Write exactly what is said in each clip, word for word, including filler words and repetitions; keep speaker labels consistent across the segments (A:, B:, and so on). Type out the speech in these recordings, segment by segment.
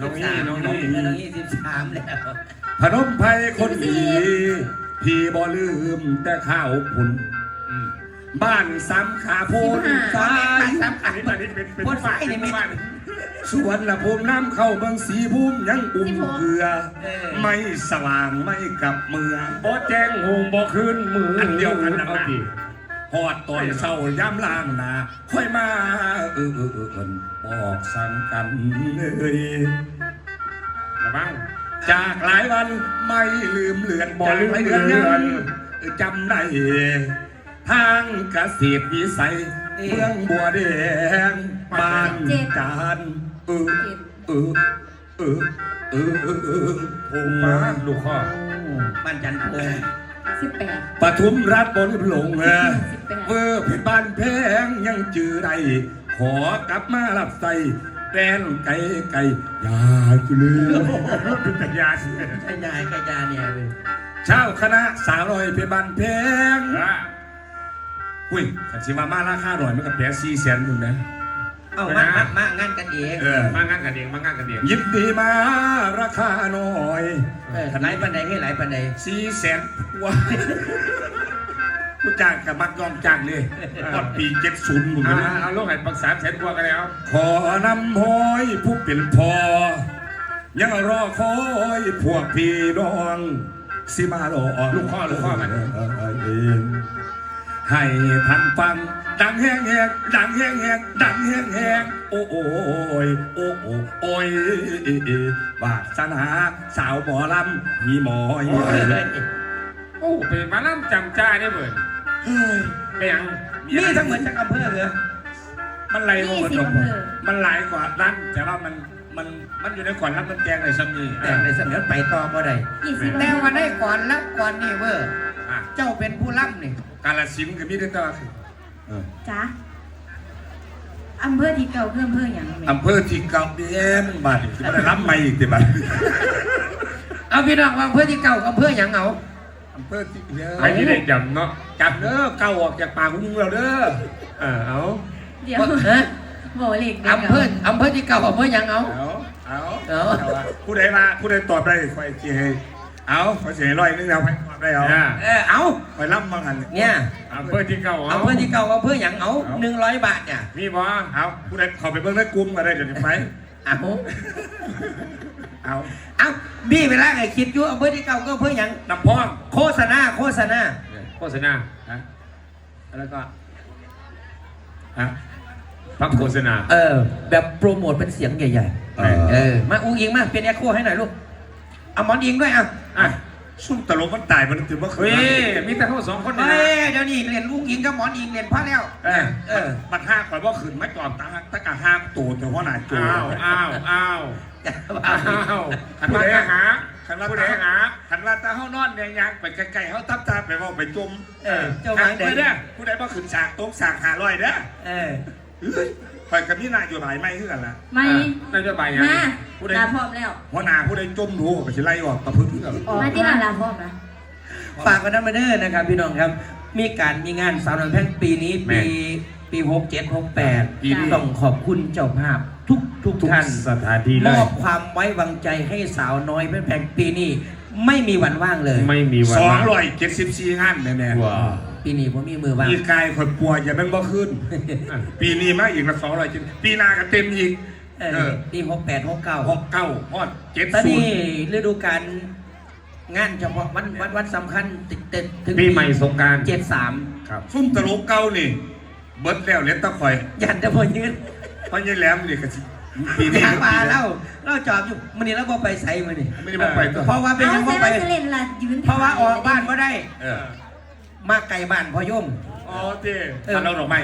A: สิบสามน้องนี่น้องนี่สิบสามแล้ว
B: พนมไพรคนดีพี่บ่ลืมแต่ข้าวพุ่นบ้านซ้ำขาพูนซ้ายซ้ำขาอันนี้เป็นเป็นบ้านเป็นบ้านสวนละภูมิน้ำเข้าเมืองสีภูมิยังอุ่มเกลือไม่สว่างไม่กลับเมืองบ่แจ้งหงบ่คืนมืออันเดียวกันนะพี่หอดตอนเศร้าย้ำล่างนาค่อยมาเออเออเออบอกสั่งกันเลยระวังจากหลายวันไม่ลืมเลือนบ่ลืมเลือนจำได้ทางเกษตรวิสัยเมืองบัวแดงบ้านจานเออเออเออเออเออเออผมมาลูกข้อ
A: บ้านจันทร์พง
C: สิบแปด
B: ปทุมรัฐบนหลงเออเวอร์เพชรบ้านแพงยังจือใดขอกลับมารับใส่แป้นไก่ไก่ยาจุลือเป็นแต่ยาสิ
A: ไก่ยาไก่ยาเนี่ยเว้ย
B: เช่าคณะสาวน้อยเพชรบ้านแพงอุ้ยสันสิมามาราคาหน่อยมันกับแผลสี่แสนมึงนะ
A: เอ้ามามามางานกันเอง
B: เออมางานกันเองมางานกันเองยินดีมาราคาหน่อย
A: เออหลายปันใดให้หลายปันใด
B: สี่แสนว้ากูจ้างกับมักยอมจ้างเลยก่อนปีเจ็ดศูนย์มึงนะ
D: เอาลูกให้ปักสามแสนกว่ากันแล้ว
B: ขอนำห้อยผู้เป็นพ่อยังรอคอยพวกพี่น้องสิมาหล่อ
D: ลูกข้อลูกข้อกัน
B: เองให้ท่านฟังดังแห้งแหกดังแห้งแหกดังแห้งแหกโอ้โอ้ยโอ้โอ้โอ้ยวาสนาสาวหมอลำมีหมอย
D: โอ้เป็นมาล่ำจำจ้าได้เหมือนไปยัง
A: นี่ทั้งเหมือนจากอำเภอเลย
B: มันไหลลงมาตรงมันไหลกว่าด้านแต่ว่ามันมันมันอยู่ในก่อนรับมันแจงในสมี
A: แต่ในสมีไปต่อบ่ได้แต่ว่าได้ก่อนแล้วก่อนนี่เวอร์เจ้าเป็นผู้ล่ำนี่
B: กาลสินก็มีได้ต่อคือ
C: จ้าอำเภอที่เก่าเพื่ออำเภออย่างไร
B: อำเภอที่เก่าเบี้ยมันบาดที่มันได้รับไม่อีกแต่บาด
A: เอาพี่น้องอำเภอที่เก่าอำเภออย่างเอา
B: อำเภอที่เ
D: ยอะไอ้ที่ได้จำเนาะ
B: จำเด้อเก่าออกจากปากของมึงเราเด้อ
D: เออเอา
C: เดี๋ยวโบเล็ก
A: อำเภออำเภอที่เก่าอำเภออย่างเอา
B: เอาเอาผู้ใดมาผู้ใดตอบได้คอยจีให้เอาคอยเสียร้อยนึงเอาไปตอบได้เอา
A: เออเอา
B: คอยรับมาหัน
A: เนี่ย
D: อำเภอที่เก่า
A: อำเภอที่เก่าอำเภออย่างเอาหนึ่งร้อยบาทเนี่ย
D: มีบ่
B: เอาผู้ใดขอไปเบิ่งได้กลุ่มอะไรเดี๋ยวไป
A: เอา
B: เอา
A: เอาบี้เวลาไอ้คิดอยู่อำเภอที่เก่าก็อำเภออย่าง
B: น้ำพอง
A: โฆษณาโฆษณา
D: โฆษณา
B: ฮะแล้วก็
D: ฮะพักโฆษณา
A: เออแบบโปรโมทเป็นเสียงใหญ่ๆเออมาอุ้งอิงมาเป็นแอคโคให้หน่อยลูกเอาหมอนอิงด้วยอ่ะ
B: อ่ะซุ่มตลกมันตายมันถือว่า
D: เฮ้ยมีแต่เขาสองคน
A: เฮ้ยเดี๋ยวนี้เรียนอุ้งอิงกับหมอนอิงเรียนพระแล้ว
B: เออเออมันห้าก่อนว่าขืนไม่ก่อนตาตะกะห้ามตูดแต่ว่าหนาจู
D: อ้าวอ้าวอ้าวอ้าวขันว่าหาขันว่าหา
B: ขันว่าตาเขานอนเนี่ยยังไปไกลๆเขาทับตาไปว่าไปจม
A: เออจมไป
B: เด้อผู้ใดว่าขืนฉากโต๊ะฉากหาลอยเด้อ
A: เออ
B: คอยกับพี่นายอยู่หลายไม่ขึ้นกันละ
C: ไม่
D: นายจะไปยัง
C: มาลาพร้อมแล้ว
B: หัวหน้าผู้ใดจมดูไปชิไล่ออกตะพึ่งกัน
C: มาที่ลาลาพร้อมนะ
A: ฝากกันนะมาเด้อนะครับพี่น้องครับมีการมีงานสาวน้อยแพงปีนี้ปีปีหกเจ็ดหกแปดต้องขอบคุณเจ้าภาพทุกทุกท่าน
D: สถานที่
A: มอบความไว้วางใจให้สาวน้อยแพงปีนี้ไม่มีวันว่างเลย
D: ไม่มีวัน
B: สองร้อยเจ็ดสิบสี่งานแน่ๆ
D: ว้า
A: ปีนี้ผมมีมือว่าง
B: ปีกายคนป่วยอย่าเป็นบ่ขึ้นปีนี้มาอีกละสองร้อยจริงปีหน้าก็เต็มอีก
A: ปีหกแปดหกเก้า
B: หกเก้าฮอดเจ็ด
A: ตอนนี้ฤดูกาลงานเฉพาะวันวันวันสำคัญติดติด
D: ถึงปีใหม่สงกรานต์
A: เจ็ดสาม
B: ครับซุ่มตลกเก่านี่เบิดแล้วเล็ดตะคอย
A: ยันจะพอยืน
B: พอยืนแหลมนี่ก็
A: ปีนี้มาเล่าเล่าจอบอยู่มันนี่แล้วบ่ไปใส่มันนี่
B: ไม่ได้บ่ไป
A: เพราะว่าเป็นยังบ่ไปเพราะว่าออกบ้านก็ได้มาไกลบ้านพอย่ง
B: อ๋อเจ้มาเราหรอไม่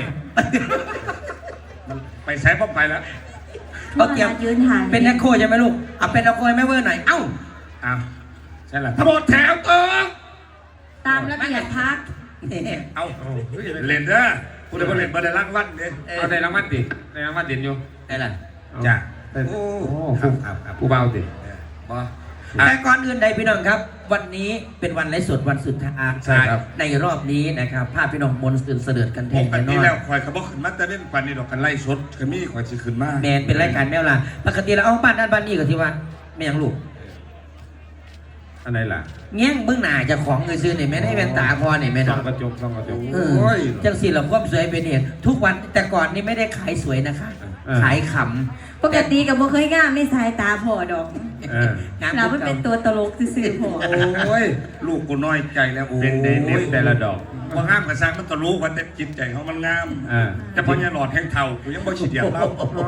B: ไปใช้ป้อมไปแล้ว
A: เขาเกี่ยวเป็นนักโคใช่ไหมลูกเอาเป็นนักโคไม่เวอร์หน่อยเอ้า
B: อ้าวใช่หรอทั้งหมดแถวเติม
C: ตามระเบียบพัก
B: เอาเล่นเด้อคุณได้เล่นมาได้รางวัลเนี่ย
D: เอาได้รางวัลดิได้รางวัลเด่นอยู่
A: ได้ละ
B: จ้ะ
D: โอ้ครับครับผู้เบาดิ
B: บอ
A: แต่ก่อนอื่นใดพี่น้องครับ วันนี้เป็นวันไลฟ์สดวันสุดท้าย
D: ใช่ครับ
A: ในรอบนี้นะครับภาพพี่น้องมนต์ตื่นเสด็จกันแท
B: ป
A: น
B: ก
A: แน่น
B: ติ
A: อน
B: แล้วคอยเขาบอกขึ้นมาแต่เล่นปันนี่ดอกกันไล่สดก็มีคอยสิขึ้นมา
A: แมนเป็นรายการแมวล่ะปกติเราเอาบ้านนั่นบ้านนี้ก็ที่ว่าไม่ยังลูก
D: อันไหนล่ะ
A: เงี้ยงเบื้องหน้าเจะของเงินซื้อเนี่ยไม่ได้เป็นตาพอเนี่ยไม่
D: ส่
A: เนาะ
D: องกระจกส่องกระจก
A: เออจังสีเราความสวยเป็นเหตุทุกวันแต่ก่อนนี่ไม่ได้ขายสวยนะคะ
D: เออ
A: ขายข
C: ปกติกับบ่เคยง่ามไม่สายตาพอดอก
D: เออ
A: ำงาม
C: เราไม่เป็นตัวตลกซื่อๆพอ
B: โอ้ยลูกกูน้อยใจแล้วโอ้ย
D: เป็นเด่นเด่นแต่ละดอก
B: พองามกระซังมันก็รู้ว่าแต่จิตใจเขามันงาม
D: อ่า
B: แต่พอเนี่ยหลอดแห้งเท่ากูยังบ่ฉีดยาเล่า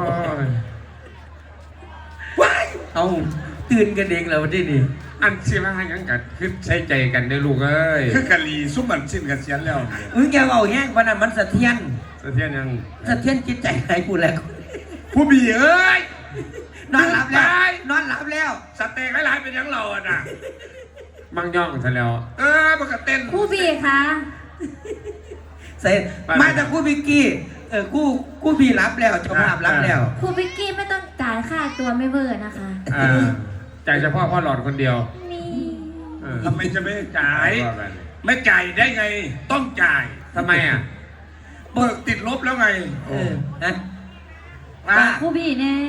A: ว้ายเอาตื่นกันเองแล้วที่นี่
D: อันที่ว่ายังกันคือใช้ใจกันได้ลูกเอ้ย
B: คือกะลีซุ่มมันสิ้นกันเสียนแล้วเนี่ย
A: มึงแกเอาแห้งวันนั้นมันสะเทียน
D: สะเทียนยัง
A: สะเทียนจิตใจใครกูแล้ว
B: ผู้บีเอ้ย
A: นอนหลับแล้วนอนหลับแล้ว
B: สเต็กหลายๆเป็นยังเราอ่ะนะ
D: มั่งย่องซะแล้ว
B: เออมันก็เต้น
C: ครู่บีคะ
A: เสร็จมาจากกูบิกกี้เออกูกูบีรับแล้วเจ้าภาพรับแล้ว
C: ครูบิกกี้ไม่ต้องจ่ายค่าตัวไม่เบอร์นะคะ
D: อ่าจ่ายเฉพาะพ่อหลอดคนเดียว
C: นี่
D: เออ
B: ทำไมจะไม่จ่าย
D: ว่าไป
B: ไม่จ่ายได้ไง ต้องจ่าย
D: ทำไมอ่ะ
B: เบิกติดลบแล้วไง
A: เออนะ
B: ว่า
C: ครูบีแน่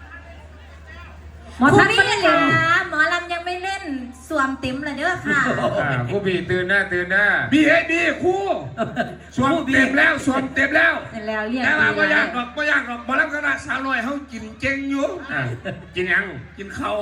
C: หมอทัศน์ไม่เล่นเลยนะหมอลำยังไม่เล่นสวมเต็มเลยเด้อค่ะ
D: อ่าผู้บีตื่นหน้าตื่นหน้า
B: บีเอบีคู่สวมเต็มแล้วสวมเต็มแล้ว
C: แล้วเรียก
B: แต่ว่าไม่
C: ดี
B: ยากหรอกไม่ยากหรอกมาแล้วคณะสาวน้อยเขากินเจงอยู่
D: อ่ากินยัง
B: กินเขาว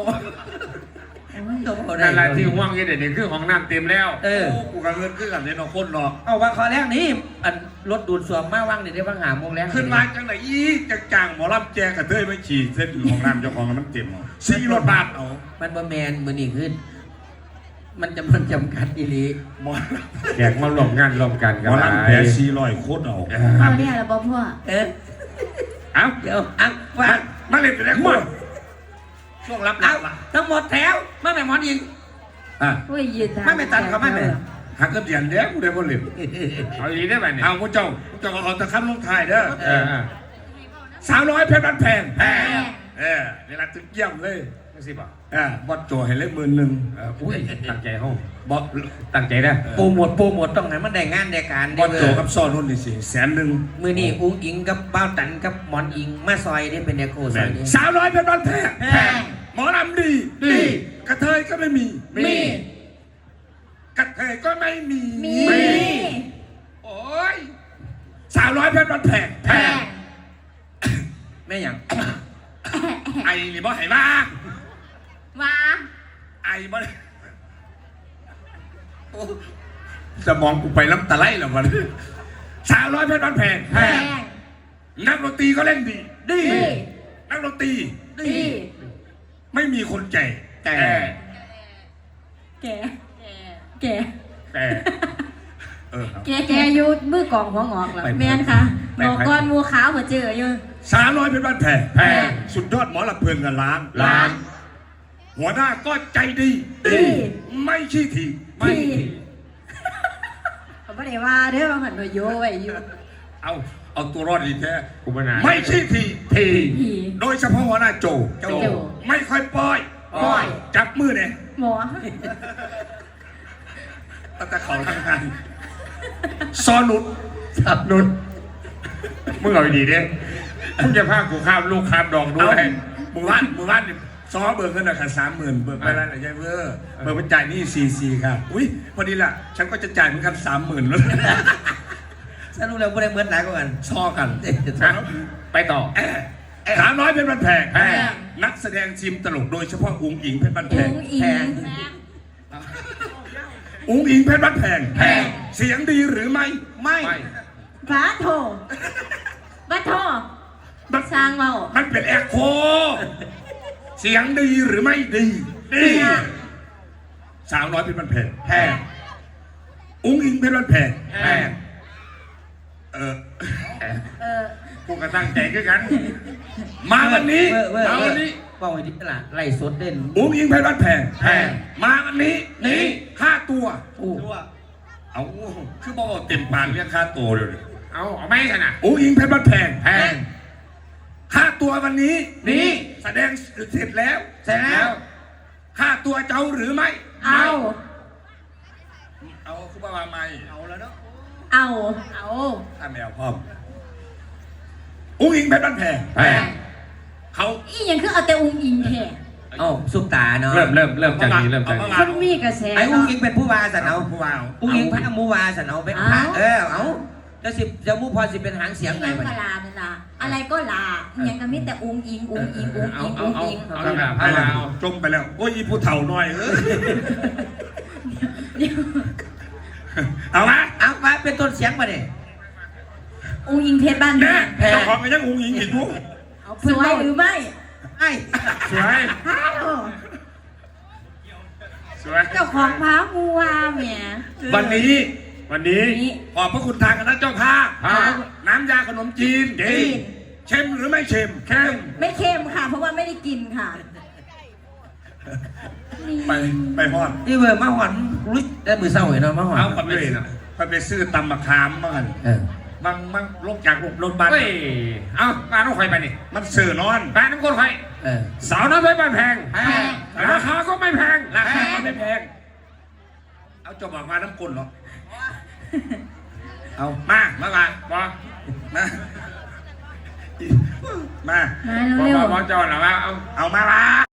D: นั่นแหละที่ห่วงอยี่เด็ดนี่คือของน้ำเต็มแล้ว
A: เออ
B: โอ้กูกับเงินคือกันเนี่ยเนาะคนเนาะ
A: เอาว่าขอแรกนี้อันรถดูดสวมมาว่างเดี๋ยวได้ว่างหาโมงแล้ว
B: ขึ้นมาจังไหนอีจังจังหมอลำแจกกระเทยไม่ฉีดเส้นของน้ำเจ้าของมันเต็มเอาสี่รถบาทเอา
A: มันบ่แมนมือนี่ขึ้น มันจำมันจำกัดอีหลี
B: หมอ
D: แขกมาหลบงานรวมกัน
B: ห
D: กั
B: ม
D: น
B: อลำแผลสี่ร้อยโคตรเอา
C: พ่อเนี่ยเหราบอกพ่อ
A: เออ
B: เอ้า
A: เดี๋ยวอังว่า
B: มาเล่นไปได้คู่ช่วงรับหลั
A: เอา
B: งล่ะ
A: ทั้งหมดแถวมาแม่หมอนอิง
B: อ่ะ
C: โอ้ยยืน
A: ไม่ไปตัดเขาไม่ไป
B: หักกระเดียนเด้อกูได้บ่เล่น
D: เอาอีกได้ไหมเนี่ย
B: เอาพวกเจ้าพวกเจ้าก็เอาตะคับลงท้ายเด้อ
D: เออ
B: สาวน้อยเพชรบ้านแพงแพงเออนี่ละถึงเยี่ยมเลย
D: ไม่สิบอก
B: อ่าบอดโจให้เล็กหมื่นหนึ่ง
D: เอออุ้ยตั้งใจห้อง
B: บอด
D: ตั้งใจนะ
A: โปรโมทโปรโมทต้องให้มันได้งานได้การ
B: บ
A: ได้
B: อด
A: เบ
B: โจ
A: อร์
B: กับซ่อนนุ่นนี่สิแสนหนึ่ง
A: มือนี่อุ้งอิงกับบ้าวตันกับหมอนอิงมาซอยได้เป็นเดโคซอยนี้
B: สาวน้อยเพชรบ้านแพง
A: แพง
B: หมอลำดี
A: ดี
B: กระเทยก็ไม่มี
A: มี
B: กระเทยก็ไม่มี
C: มี
B: โอ้ยสาวน้อยเพชรบ้านแพง
C: แพง
A: แม่หยัง
B: ไอ้นี่บ่ให้มา
C: มา
B: ไอ้บ่ได้โอ้สมองกูไปน้ำตาไหลแล้วมันสาวน้อยเพชรบ้านแพง
C: แพง
B: นักดนตรีก็เล่นดี ดี
C: ดี
B: นักดนตรี
C: ดี
B: ไม่มีคนใจ
A: แต่
C: แกแก
B: แต่เออครับ
C: แกแกอยู่มือกองหัวงอกเหรอแม่นค่ะหมอกรมัวขาวหัวเจออยู่
B: สาวน้อยเป็นบ้านแพง
C: แพง
B: สุดยอดหมอลำเพลินกันล้าน
C: ล้าน
B: หัวหน้าก็ใจดี
C: ดี
B: ไม่ขี้ที
C: ที่ผมไม่ได้ว่าเด้อบางคนมาโยไว้อยู่
B: เอาเอาตัวรอดดีแท้
D: กูปัญหา
B: ไม่ขี้ทีที
C: ที
B: โดยเฉพาะหัวหน้าโจ
C: โจ
B: ไม่ค่อยปล่อย
C: ปล่อย
B: จับมือเนี่ย
C: หมอ
B: ตั้งแต่เขาทำงานซอนุด
A: สับ
D: นุนมึงเอาดีๆดิมึงจะพากูข้ามลูกข้ามดอกด้
B: เอา
D: วย
B: มือว่านมือว่านนี่ซอเบิกเงินราคาสามหมื่นเบิกไปแล้วนะยายเวอร์เบิกไปจ่ายหนี่ซีซีครับอุ้ยพอดีล่ะ ฉันก็จะจ่ายเหมือนกันสามหมื่นแล้ว
A: สรุปแล้วบ่ได้เหมือนหลายกว่ากัน
B: ซอกัน
D: นะไปต่อ
B: ถามน้อยเป็นบันแพง
D: แพง
B: นักแสดงทีมตลกโดยเฉพาะอุ๋งอิงเพชรบันแพ
C: อุ้
B: ง
C: งอิง
B: อุ๋งอิงเพชรบันแพง
C: แพง
B: เสียงดีหรือไม่
A: ไม่
D: ไม่
C: ฟ้าโทบ้าโท
B: มัน
C: สร้างเมา
B: มันเป็นแอคโคเสียงดีหรือไม่ดี ดี สาวน้อยเพชรบันแพง
A: แพง
B: อุ๋งอิงเพชรบันแพง
A: แพง
B: เออ
C: เออ
D: กูก็ตั้งใจคือกัน
B: มาวันนี้
A: เว้ยเว้ย
B: มา
A: เว้
B: วั
A: ย
B: นนี้
A: ว่าวันนี้ตลาดไล่สดเด่น
B: อุ๋งอิงเพชรบันแพง
A: แพง
B: มาวันนี้นี่ห้าตัว
A: อู้
B: เอาคือบอกว่าเต็มปากเรียกค่าตัวเลย
D: เอาเอาไม่กันนะ
B: อุ๋งอิงเพชรบันแพง
A: แพง
B: ค่าตัววันนี้
A: นี่
B: แสดงเสร็จแล้ว
A: เสร็จแล้ว
B: ค่าตัวเจ้าหรือไม่
C: เอา
B: เอาคุณป้าว่าไม่เอาแล้วเนาะ
C: เอาเอา
B: ถ้าแมวพร้อมอุ้งอิงเพชรบ้านแพง
D: แพง
B: เขา
C: อีหยังคือเอาแต่อุ้งอิงแท้
A: เอ้าซุปตาเนาะ
D: เริ่มเริ่มเริ่มจากนี้เริ่มจากนี้
C: คนมีกระแส
A: ไอ้อุ้งอิงเป็นผู้ว่าสันเอา
B: ผู้ว่า
A: อุ้งอิงพระมูวาสันเอาเป็นพระเออเอาจะสิจะมูพอสิเป็นหางเสียง
C: อีห
A: ไง
C: ยัง
A: มัน
C: ก็ลานั่นล่ะอะไรก็ลาอีหยังก็มีแต่อุ้งอิงอุ้งอิงอุ้ง
A: เอา
C: อิง
A: เอา
C: อุ้ง
A: เอา
C: อิง
A: เอา
D: เอาแบบ
B: ไป
D: ให้
B: แล้
D: เรา
B: วจมไปแล้วโอ้ยอีผู้เฒ่าหน่อยเออ
C: เดี๋ยว
B: เอาละ
A: เอามาเป็นต้นเสียงมาเนี่ย
C: อุ้งอิงเพชรบ้าน
B: แม่
C: แพง
B: เจ้าของก็ยังอุ้งอิงอีกทุก
C: สวยหรือไม่
A: ไอ้
D: สวย
C: ฮัลโหล
D: สวย
C: เจ้าของพามูวาแหม
B: วันนี้
D: วันนี้
C: นี่
B: ขอบพระคุณทางคณะเจ้าภาพ
D: ครับ
B: น้ำยาขนมจีน
C: จีน
B: เค็มหรือไม่เค็มเค็ม
C: ไม่เค็มค่ะ เพราะว่าไม่ได้กินค่ะนี่
B: ไปไปฮอด
A: นี่เวอร์มาหอนรู้ได้มือเศร้าเนาะมาหอน
B: เอาไปเลยนะไปไปซื้อตำมะขามมากัน
A: เออ
B: บางบางลงจากรถบัส
D: เฮ้ยเอามาต้องคอยไปนี่
B: มันเสื่อนอน
D: แปดน้ำก้นคอย
A: เออ
D: สาวน้ำเพชรบ้านแพง
C: แพง
D: ราคาก็ไม่แพง
B: ราคาก็ไม่แพงเอาจบออกมาน้ำกลนหรอเอามามามา
D: บอ
B: มามา
C: มา
D: บอ
C: เร็ว
D: บอจอดหรอว่าเอา
B: เอามาละ